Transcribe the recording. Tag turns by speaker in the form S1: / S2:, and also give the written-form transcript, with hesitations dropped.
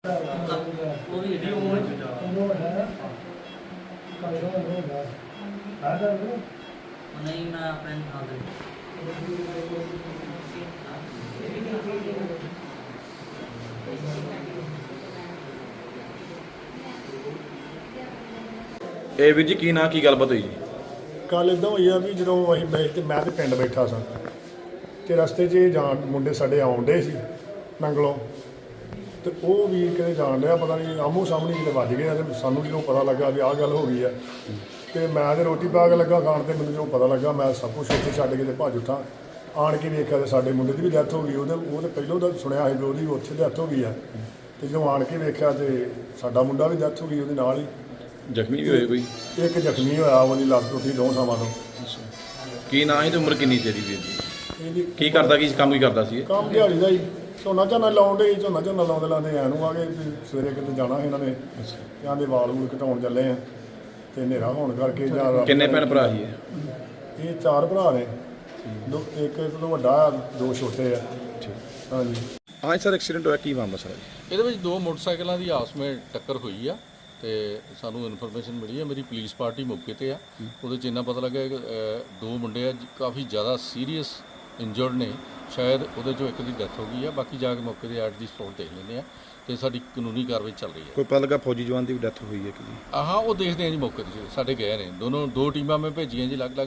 S1: ਉਹ ਵੀ ਇਹਦੀ ਉਮਰ ਚ ਜਾ ਨਹੀਂ ਮੈਂ ਆਪਣੇ ਨਾਲ ਦੇ
S2: ਇਹ ਵੀਰ ਜੀ ਕੀ ਨਾਂ ਕੀ ਗੱਲਬਾਤ ਹੋਈ ਜੀ?
S3: ਕੱਲ ਇਦਾਂ ਹੋਈ ਆ ਵੀ ਜਦੋਂ ਅਸੀਂ ਬੈਠ ਤੇ ਮੈਂ ਤੇ ਪਿੰਡ ਬੈਠਾ ਸਾਂ ਤੇ ਰਸਤੇ 'ਚ ਇਹ ਜਾਣ ਮੁੰਡੇ ਸਾਡੇ ਆਉਣ ਡੇ ਸੀ ਨੰਗਲੋਂ ਤੇ ਉਹ ਵੀਰ ਕਿਤੇ ਜਾਣ ਡਿਆ ਪਤਾ ਨਹੀਂ ਆਮੋ ਸਾਹਮਣੇ ਕਿਤੇ ਵੱਜ ਗਿਆ ਤੇ ਸਾਨੂੰ ਜਦੋਂ ਪਤਾ ਲੱਗਾ ਵੀ ਆਹ ਗੱਲ ਹੋ ਗਈ ਆ ਤੇ ਮੈਂ ਤੇ ਰੋਟੀ ਪਾ ਕੇ ਲੱਗਾ ਖਾਣ ਤੇ ਮੈਨੂੰ ਜਦੋਂ ਪਤਾ ਲੱਗਾ ਮੈਂ ਸਭ ਕੁਛ ਉੱਥੇ ਛੱਡ ਕੇ ਤੇ ਭੱਜ ਉੱਠਾਂ ਆਣ ਕੇ ਵੇਖਿਆ ਤੇ ਸਾਡੇ ਮੁੰਡੇ ਦੀ ਵੀ ਡੈਥ ਹੋ ਗਈ ਉਹ ਤੇ ਪਹਿਲੋਂ ਤਾਂ ਸੁਣਿਆ ਸੀ ਵੀ ਉਹਦੀ ਉੱਥੇ ਡੈਥ ਹੋ ਗਈ ਆ ਤੇ ਜਦੋਂ ਆਣ ਕੇ ਵੇਖਿਆ ਤੇ ਸਾਡਾ ਮੁੰਡਾ ਵੀ ਡੈਥ ਹੋ ਗਈ ਉਹਦੇ ਨਾਲ ਹੀ।
S2: ਜ਼ਖਮੀ ਵੀ ਹੋਏ ਕੋਈ?
S3: ਇੱਕ ਜ਼ਖਮੀ ਹੋਇਆ ਉਹਦੀ ਲੱਤ ਟੁੱਟੀ 2 ਥਾਵਾਂ ਤੋਂ।
S2: ਕੀ ਨਾਂ ਹੈ ਤੇ ਉਮਰ ਕਿੰਨੀ ਤੇਰੀ ਵੀਰ ਜੀ?
S3: ਇਹਦੀ
S2: ਕੀ ਕਰਦਾ ਕੀ ਕੰਮ ਕੀ ਕਰਦਾ ਸੀ ਇਹ?
S3: ਕੰਮ ਦਿਹਾੜੀ ਦਾ ਹੀ ਝੋਨਾ ਲਾਉਣ ਡੇ ਝੋਨਾ ਲਾਉਂਦੇ ਐਂ ਨੂੰ ਆ ਗਏ ਵੀ ਸਵੇਰੇ ਕਿਤੇ ਜਾਣਾ ਇਹਨਾਂ ਨੇ ਜਾਂ ਦੇ ਵਾਲ ਵੂਲ ਘਟਾਉਣ ਚੱਲੇ ਆ ਤੇ ਹਨੇਰਾ ਹੋਣ ਕਰਕੇ ਜਾਂ
S2: ਕਿੰਨੇ ਭੈਣ ਭਰਾ ਸੀ ਇਹ?
S3: ਇਹ 4 ਭਰਾ ਨੇ ਇੱਕ ਤੋਂ ਵੱਡਾ 2 ਛੋਟੇ ਆ। ਹਾਂਜੀ
S2: ਹਾਂ ਸਰ, ਐਕਸੀਡੈਂਟ ਹੋਇਆ ਕੀ ਮਾਮਲਾ ਸਰ?
S4: ਇਹਦੇ ਵਿੱਚ 2 ਮੋਟਰਸਾਈਕਲਾਂ ਦੀ ਆਪਸ ਵਿੱਚ ਟੱਕਰ ਹੋਈ ਆ ਤੇ ਸਾਨੂੰ ਇਨਫੋਰਮੇਸ਼ਨ ਮਿਲੀ ਹੈ। ਮੇਰੀ ਪੁਲਿਸ ਪਾਰਟੀ ਮੌਕੇ ਤੇ ਆ। ਉਹਦੇ 'ਚ ਇੰਨਾ ਪਤਾ ਲੱਗਾ ਕਿ 2 ਮੁੰਡੇ ਆ ਕਾਫੀ ਜ਼ਿਆਦਾ ਸੀਰੀਅਸ ਇੰਜਰਡ ਨੇ, ਸ਼ਾਇਦ ਉਹਦੇ 'ਚੋਂ ਇੱਕ ਦੀ ਡੈਥ ਹੋ ਗਈ ਆ। ਬਾਕੀ ਜਾ ਕੇ ਮੌਕੇ ਦੇ ਐਟ ਦੀ ਸਪੌਟ ਦੇਖ ਲੈਂਦੇ ਆ ਤੇ ਸਾਡੀ ਕਾਨੂੰਨੀ ਕਾਰਵਾਈ ਚੱਲ ਰਹੀ ਹੈ।
S2: ਕੋਈ ਪਤਾ ਲੱਗਾ ਫੌਜੀ ਜਵਾਨ ਦੀ ਵੀ ਡੈਥ ਹੋਈ ਹੈ ਕਿ?
S4: ਹਾਂ ਉਹ ਦੇਖਦੇ ਆ ਜੀ ਮੌਕੇ 'ਤੇ ਸਾਡੇ ਗਏ ਨੇ 2 ਟੀਮਾਂ ਮੈਂ ਭੇਜੀਆਂ ਜੀ ਅਲੱਗ-ਅਲੱਗ